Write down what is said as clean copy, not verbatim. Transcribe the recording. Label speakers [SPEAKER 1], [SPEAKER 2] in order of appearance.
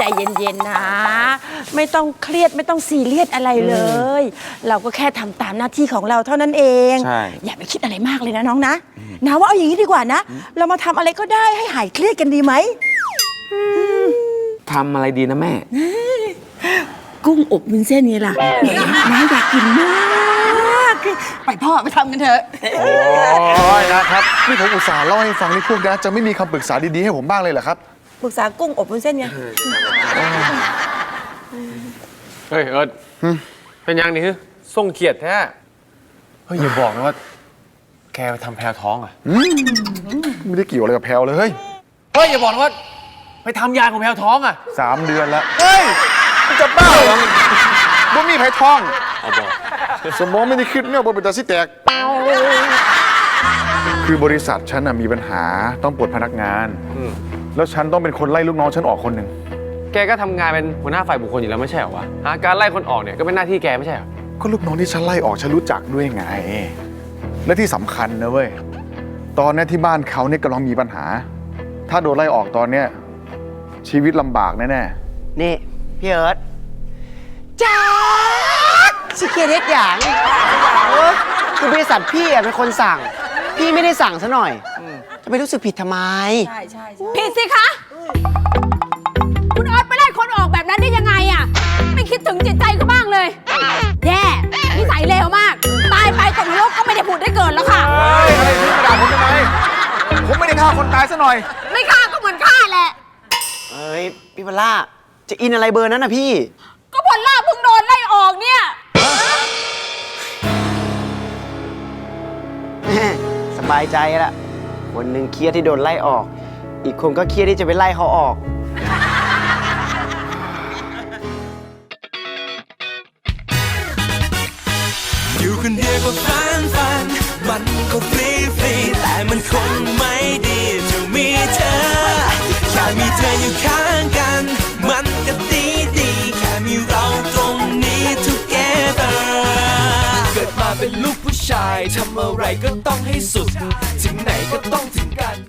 [SPEAKER 1] เย็นๆนะไม่ต้องเครียดไม่ต้องซีเรียสอะไรเลย เราก็แค่ทำตามหน้าที่ของเราเท่านั้นเองอย่าไปคิดอะไรมากเลยนะน้องนะนะว่าเอาอย่างนี้ดีกว่านะเรามาทำอะไรก็ได้ให้หายเครียดกันดีไหม
[SPEAKER 2] ทำอะไรดีนะแม่
[SPEAKER 1] กุ้งอบวุ้นเส้นนี่ล่ะน้าอยากกินมากไปพ่อไปทำกันเถอะ
[SPEAKER 3] โอ้ยนะครับนี่ผมอุตส่าห์เล่าให้ฟังนี่พวกนะจะไม่มีคำปรึกษาดีๆให้ผมบ้างเลยเหรอครับ
[SPEAKER 1] ปรึกษากุ้งอบวุ้นเส้นไง
[SPEAKER 2] เฮ้ยเอิร์ดเป็นยังนี่คือส่งเขียดแท้เฮ้ยอย่าบอกนะว่าแกไปทำแพลท้องอ่ะ
[SPEAKER 3] ไม่ได้เกี่ยวอะไรกับแพลวเลยเฮ้ย
[SPEAKER 2] อย่าบอกนะว่าไปทำยาของแพลท้องอ่ะ
[SPEAKER 3] 3 เดือนแล้วเฮ้ยจะบ้าเหรอบ่มีไผ่ทอง
[SPEAKER 2] เอาบอก
[SPEAKER 3] สมองไม่ได้คิดเนี่ยบ่เป็นตาสิแตกคือบริษัทฉันมีปัญหาต้องปลดพนักงานแล้วฉันต้องเป็นคนไล่ลูกน้องฉันออกคนหนึ่ง
[SPEAKER 2] แกก็ทำงานเป็นหัวหน้าฝ่ายบุคคลอยู่แล้วไม่ใช่เหรอวะการไล่คนออกเนี่ยก็เป็นหน้าที่แกไม่ใช่เหรอ
[SPEAKER 3] ก็ลูกน้องที่ฉันไล่ออกฉันรู้จักด้วยไงและที่สำคัญนะเว้ยตอนนี้ที่บ้านเขาเนี่ยกำลังมีปัญหาถ้าโดนไล่ออกตอนเนี้ยชีวิตลำบากแน่
[SPEAKER 4] ๆนี่พี่เอิร์ธจ้าชิคเก้เล็กอย่างคือบริษัทพี่เป็นคนสั่งพี่ไม่ได้สั่งซะหน่อยจะไปรู้สึกผิดทำไม
[SPEAKER 1] ใช่
[SPEAKER 5] ผิดสิคะคุณออสไปไล่คนออกแบบนั้นได้ยังไงอ่ะไม่คิดถึงจิตใจเขาบ้างเลยแย่นิสัยเลวมากตายไปตกนรกก็ไม่ได้ผุดได้เกิดแล้วค่ะ
[SPEAKER 3] อะไรพี่มาด่าผมทำไมผมไม่ได้ฆ่าคนตายซะหน่อย
[SPEAKER 5] ไม่ฆ่าก็เหมือนฆ่าแหละ
[SPEAKER 4] เอ้ยพี่พล่าจะอินอะไรเบอร์นั้นนะพี่
[SPEAKER 5] ก็พอลล่าเพิ่งโดนไล่ออกเนี่ย
[SPEAKER 4] สบายใจละคนหนึ่งเครียดที่โดนไล่ออกอีกคนก็เครียดที่จะไปไล่เขาออก
[SPEAKER 6] อยู่คนเดียวก็ฝันมันก็ฟรีแต่มันคงไม่ดีจะมีเธอแค่มีเธออยู่ข้างกันมันก็ดีแค่มีเราตรงนี้ together เกิดมาเป็นลูกผู้ชายทำอะไรก็ต้องให้สุดถึงไหนก็ต้องถึงกัน